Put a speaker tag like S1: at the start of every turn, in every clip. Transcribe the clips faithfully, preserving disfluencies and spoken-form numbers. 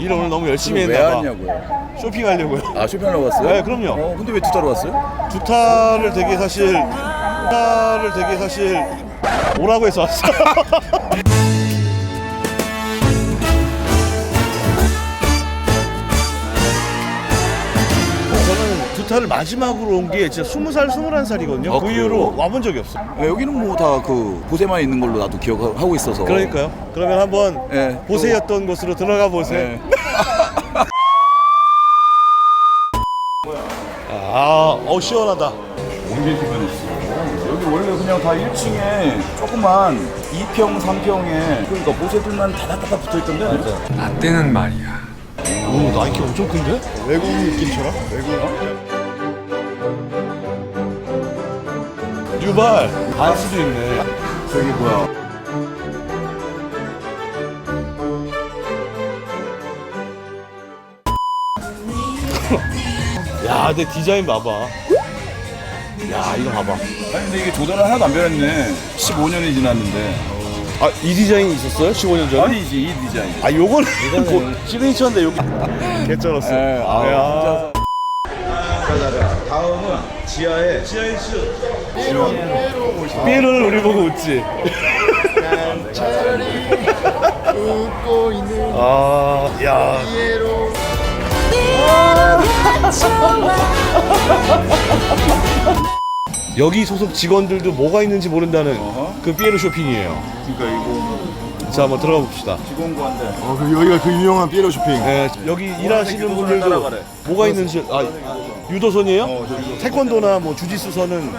S1: 일을 오늘 너무 열심히
S2: 왜
S1: 했나봐.
S2: 왔냐고요?
S1: 쇼핑하려고요.
S2: 아 쇼핑하러 갔어요?
S1: 네, 그럼요.
S2: 어, 근데 왜 두타로 왔어요?
S1: 두타를 되게 사실 두타를 되게 사실 오라고 해서 왔어. 저는 두타를 마지막으로 온 게 진짜 스무 살, 스물한 살이거든요.
S2: 아,
S1: 그
S2: 그래요?
S1: 이후로 와본 적이 없어.
S2: 네, 여기는 뭐 다 그 보세만 있는 걸로 나도 기억하고 있어서.
S1: 그러니까요. 그러면 한번
S2: 네,
S1: 보세였던 곳으로 들어가 보세요.
S2: 네.
S1: 아, 어 시원하다.
S2: 오리겐 편했어. 여기 원래 그냥 다 일 층에 조그만 이 평, 삼 평에 그러니까 보세들만 다다다다 붙어있던데.
S3: 나 때는 말이야.
S1: 오, 나이키 엄청 큰데?
S4: 외국 느낌처럼? 외국
S1: 뉴발 반스도 있네.
S2: 저기 뭐야?
S1: 야, 내 디자인 봐봐. 야, 이거 봐봐.
S2: 아니 근데 이게 조단은 하나도 안 변했네. 십오 년이 지났는데.
S1: 아, 이 디자인이 있었어요? 십오 년 전에?
S2: 아니지 이 디자인.
S1: 아, 요거는 고- 시그니처인데 여기 개쩔었어.
S2: 네, 아,
S1: 야.
S2: 진짜. 다음은 지하에
S1: 지하에 슈. 삐에로는 우리 보고 웃지.
S4: 웃고 있는
S1: 아, 야.
S4: 피에로
S1: 여기 소속 직원들도 뭐가 있는지 모른다는
S2: 어허.
S1: 그 삐에로 쇼핑이에요.
S2: 그러니까 이거
S1: 자, 한번 들어가 봅시다.
S2: 직원구한데.
S4: 어, 그 여기가 그 유명한 피에로 쇼핑.
S1: 네, 여기 일하시는
S2: 교도소를
S1: 분들도
S2: 따라가래.
S1: 뭐가 있는지 아 유도선이에요?
S2: 어, 저 유도선.
S1: 태권도나 뭐 주짓수선은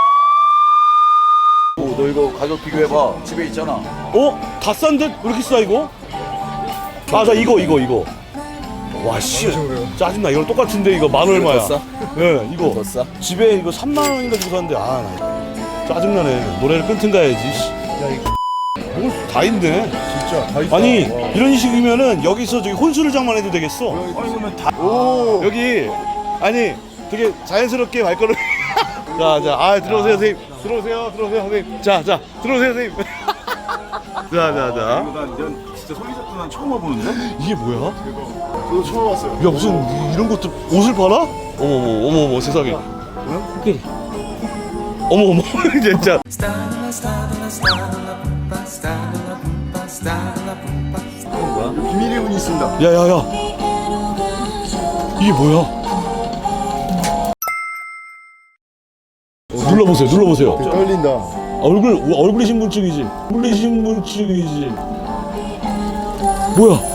S2: 오, 너 이거 가격 비교해봐. 집에 있잖아.
S1: 어? 다 싼 듯? 왜 이렇게 싸 이거? 맞아 이거 이거 이거 와씨 짜증나 이거 똑같은데 이거 만 얼마야?
S2: 더 싸?
S1: 네 이거
S2: 더 싸?
S1: 집에 이거 삼만 원인가 주고 샀는데 아 나 짜증나네 노래를 끊든 가야지 씨. 뭘다 있네
S4: 진짜 다 있다.
S1: 아니
S4: 와.
S1: 이런 식이면은 여기서 저기 혼수를 장만 해도 되겠어
S2: 아니 그러면 다.
S4: 오.
S1: 여기 아니 되게 자연스럽게 발걸음 자자 아 들어오세요 선생님 들어오세요 들어오세요 선생님 자자 들어오세요 선생님 자자자
S2: 이거 난, 난 진짜 소리잡도 난 처음 와보는데?
S1: 이게 뭐야?
S4: 저도 처음 왔어요.
S1: 야 무슨 이런 것도 옷을 팔아? 어머머 어머머 세상에 코끼리 어머어머 진짜
S4: 비밀의 문이 있습니다.
S1: 야야야 이게 뭐야? 눌러보세요 눌러보세요
S4: 되게 떨린다.
S1: 얼굴 얼굴이 신분증이지 얼굴이 신분증이지 뭐야?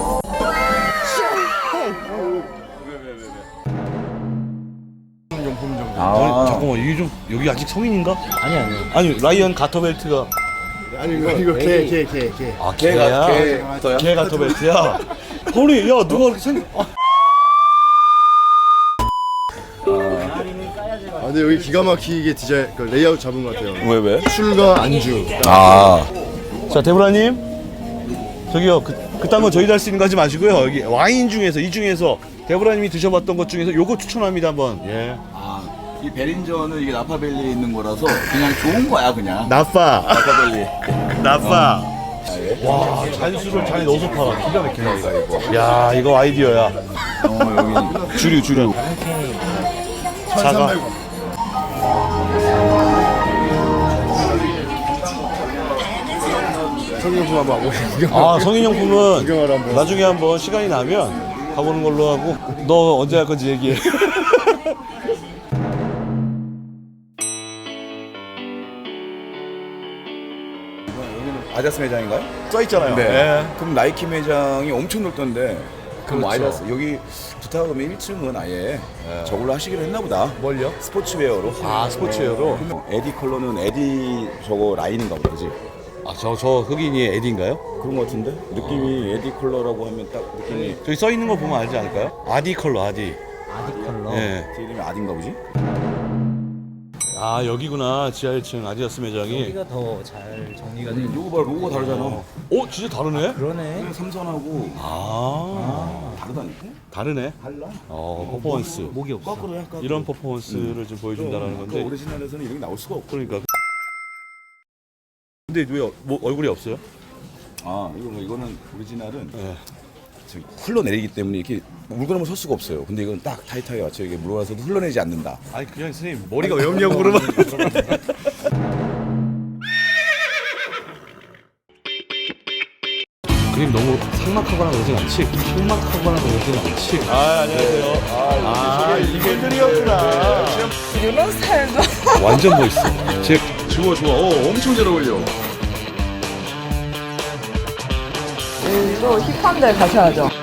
S4: 용품 정도.
S1: 아니, 잠깐만 이게 좀 여기 아직 성인인가?
S3: 아니 아니.
S1: 아니 라이언 가터벨트가
S4: 아니 이거 이거 개 개 개 개.
S1: 아
S2: 걔가
S1: 개야?
S2: 걔.
S1: 개 가터벨트야? 아니 야 누가 그렇게 생 아,
S4: 아 근데 여기 기가 막히게 디자인 그 레이아웃 잡은 것 같아요.
S2: 왜 왜?
S4: 술과 안주.
S2: 아.
S1: 자 데브라님 저기요 그, 그딴 거 저희도 할 수 있는 거 하지 마시고요 여기 와인 중에서 이 중에서 데브라님이 드셔봤던 것 중에서 요거 추천합니다 한번 예
S2: 아, 이 베린저는 이게 나파밸리에 있는 거라서 그냥 좋은 거야 그냥.
S1: 나빠
S2: 나파밸리.
S1: 나빠 와 잔수를 잔에 넣어서 팔아 기가 막히네 이거 야 이거 아이디어야
S2: 어 여기 주류 주류.
S1: 자가
S4: 성경품 한번 오시죠.
S1: 아 성인용품은
S4: 구경하러 한번.
S1: 나중에 한번 시간이 나면 가보는 걸로 하고 너 언제 할 건지 얘기해
S2: 아디다스 매장인가요?
S1: 써 있잖아요
S2: 네.
S1: 예.
S2: 그럼 나이키 매장이 엄청 넓던데. 그럼
S1: 그렇죠.
S2: 아디다스 여기 두타 가면 일 층은 아예 저걸로 하시기로 했나 보다.
S1: 뭘요?
S2: 스포츠웨어로.
S1: 아 스포츠웨어로?
S2: 그러면 에디 컬러는 에디 저거 라인인가 보지.
S1: 아 저 저 흑인이 에디인가요?
S2: 그런 거 같은데? 느낌이 에디 컬러라고 하면 딱 느낌이
S1: 저기 써 있는 거 보면 알지 않을까요? 아디 컬러 아디
S3: 아디 컬러.
S1: 예.
S2: 제 이름이 아딘가 보지?
S1: 아 여기구나 지하 일 층 아디다스 매장이
S3: 여기가 더 잘 정리가 돼. 있는.
S2: 로고 봐 로고가 다르잖아.
S1: 어 진짜 다르네?
S3: 그러네.
S2: 그냥 삼선하고
S1: 아,
S2: 다르다니까?
S1: 다르네
S2: 달라?
S1: 어 퍼포먼스
S3: 목이 없어.
S2: 거꾸로 약간
S1: 이런 퍼포먼스를 좀 보여준다라는
S2: 그
S1: 건데
S2: 오리지널에서는 이런 게 나올 수가 없고.
S1: 그러니까 근데 왜 어- 뭐 얼굴이 없어요?
S2: 아 이거 뭐 이거는 오리지널은
S1: 예.
S2: 저기 흘러내리기 때문에 이렇게 물건을 설 수가 없어요. 근데 이건 딱 타이트하게 맞춰 이게 물어나서도 흘러내지 않는다.
S1: 아니 그냥 선생님 머리가 왜 없냐고 그러면. 그림 너무 삭막하거나 그러진 않지? 삭막하거나 그러진 않지? 아 안녕하세요. 아, 이분들이었구나.
S5: 이런 스타일도
S1: 완전 멋있어. 제
S2: 좋아 좋아. 어 엄청 잘 어울려.
S5: 또 힙한 데 가셔야죠.